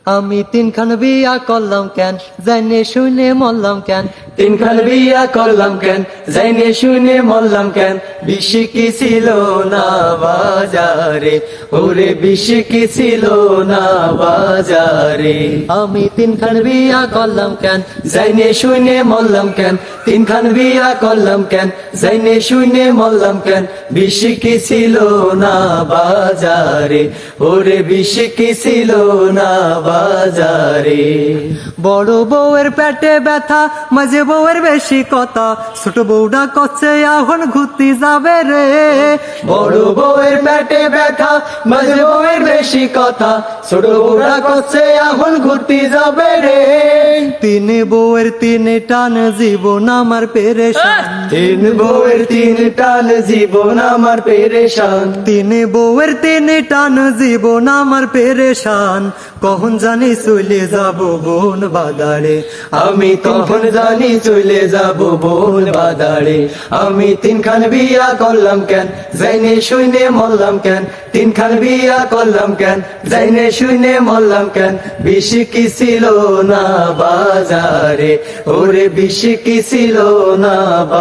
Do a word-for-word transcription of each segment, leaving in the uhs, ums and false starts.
আমি তিনখান বিয়া করলাম কেন, জানে শুনে মরলাম কেন। তিনখান বিয়া করলাম কেন, জাইনে শুনে মরলাম কেন। বেশি কি ছিল না বাজারে, ওরে বেশি কি ছিল না বাজারে। আমি তিনখান বিয়া করলাম কেন, জাইনে শুনে মরলাম কেন। তিনখান বিয়া করলাম কেন, জাইনে শুনে মরলাম কেন। বেশি কি ছিল না বাজারে, ওরে বেশি কি ছিল না বাজারে। বড় বউয়ের পেটে ব্যথা, মাঝে বউয়ের বেশি কথা, ছোট বউটা করছে এখন ঘুরতে যাবে রে। বড় বউয়ের পেটে ব্যথা, মাঝে বউয়ের বেশি কথা, ছোট বউরা করছে এখন ঘুরতে যাবে রে। তিন বউয়ের তিন টান জীবন আমার পেরেশান, তিন বউয়ের তিন টান জীবন আমার পেরেশান। তিন বউয়ের তিন টান জীবন আমার পেরেশান। কখন জানি চলে যাব বোন বাদারে, আমি তখন জানি চলে যাব বোন বাদারে। আমি তিনখান বিয়া করলাম কেন, জাইনে শুনে মরলাম কেন। তিনখান বিয়া করলাম কেন, জাইনে শুনে মরলাম কেন। বেশি কি ছিল না বাজারে, ওরে বেশি কি ছিল না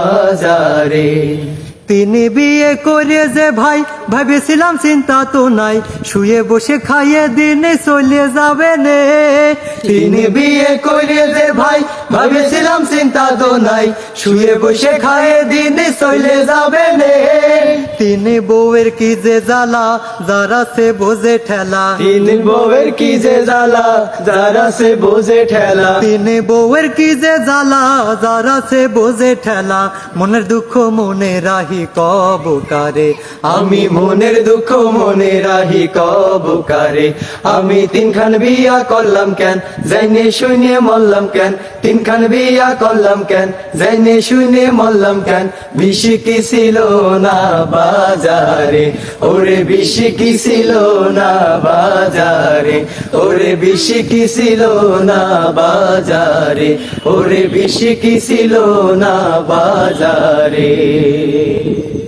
বাজারে। তিনি বিয়ে করে যে ভাই ভেবেছিলাম চিন্তা তো নাই, শুয়ে বসে খাইয়ে দিনে চলে যাবে নে। তিনি বিয়ে করে যে ভাই ভেবেছিলাম চিন্তা তো নাই, শুয়ে বসে খায়ে দিনে চলে যাবে নে। তিনি বউয়ের কি যে জ্বালা, যারা সে বোঝে ঠেলা। তিন বউয়ের কি যে জ্বালা, যারা সে বোঝে ঠেলা। তিনি বউয়ের কি যে জ্বালা, যারা সে বোঝে ঠেলা। মনের দুঃখ মনে রাহি কব কারে, আমি মনের দুঃখ মনে রাহি কব কারে। আমি তিনখান বিয়া করলাম কেন, জাইনে শুনে মরলাম কেন। তিনখান বিয়া করলাম কেন, জাইনে শুনে মরলাম কেন। বেশি কি ছিল না বাজারে, ওরে বেশি কি ছিল না বাজারে। ওরে বেশি কি ছিল না বাজারে, ওরে বেশি কি ছিল না বাজারে।